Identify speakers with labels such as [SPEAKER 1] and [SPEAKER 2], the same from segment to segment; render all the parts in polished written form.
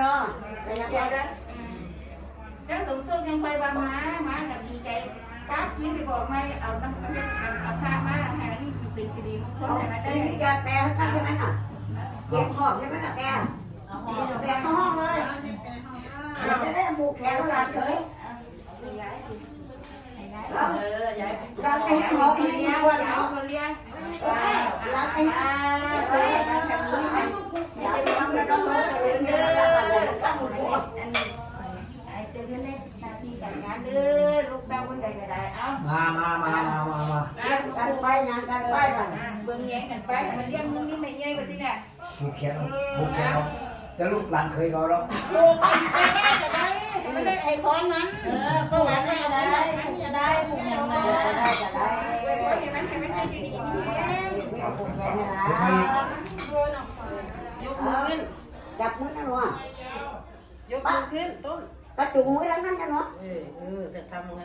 [SPEAKER 1] เนาะแต่ยังไงนะ
[SPEAKER 2] แล้วสมทบยังไปว่ามากับดีใจกับที่ไปบอกไม่เอาน้ำเอาผ้ามาให้มันเป็นคดีมงคลให้มันได้
[SPEAKER 1] แกแปลนั่นใช่ไหมน่ะเก็บหอบใช่ไหมน่ะแปลเข้าห้องเลยจะได้หมูแขนหลานเลยเราจะให้หออีกทีวันเอา
[SPEAKER 2] เลี้ยง
[SPEAKER 1] เราไปอยากทำแล้วต้องมาเรียนเยอะก็หมด
[SPEAKER 2] ไอ้เจ้าเล็กหน้าที่การงานเด้อลูกเต้าคนใดก็ได้เอา
[SPEAKER 1] กันไปงานกันไปบ้าง
[SPEAKER 2] เบิ่งแย่งกันไปมันเลี้ยงมึงนี่ไม่ใหญ่กว่าที่เนี่ย
[SPEAKER 3] ผูกแขนแต่ลูกหลานเคยเขาแล้ว
[SPEAKER 2] ลูกจะได้ไม่ได้ไอ้พรนั้นพรนั้นจะได้ผูกอย่างไรจะได้ให้มันให้ดีๆยกมือขึ้น
[SPEAKER 1] จับมือนะหนู
[SPEAKER 2] ยกมือขึ้นต้น
[SPEAKER 1] กระจุงมือทั้งนั้นนะหนู
[SPEAKER 2] จะทำงั้น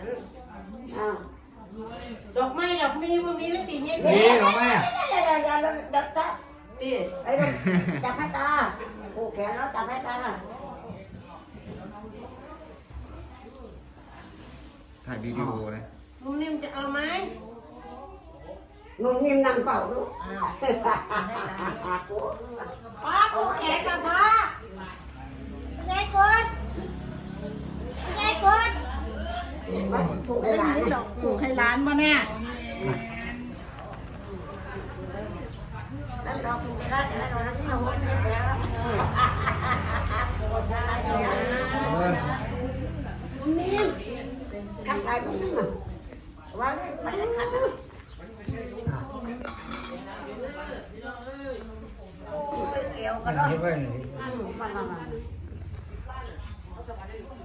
[SPEAKER 1] ดอกไม้ดอกมีมันมีแล้วตีเงี้ย
[SPEAKER 3] นี่หรอแม่
[SPEAKER 1] ดอกตาตีไอ้ดอกจับให้ตาผูกแขนแล้วจับให้ตา
[SPEAKER 4] ถ่ายวิดีโอเลย
[SPEAKER 2] นุ่มนิ่มจะเอาไหม
[SPEAKER 1] นุ่มนิ่มนั่งเป่าลูก
[SPEAKER 2] ป้าผูกแขนกับป้ายายกดยายกด
[SPEAKER 1] ผูกให้หลาน
[SPEAKER 2] ผูกให้ร้านมาแน่
[SPEAKER 1] นั่นดอกผูกได้แต่เราที่เราไม่ได้แล้วผูกได้นิ่มขัดได้ตรงนี้มั้งว่าได้ไปขัดนะเอวก็ได้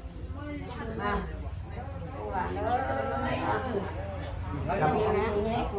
[SPEAKER 1] มา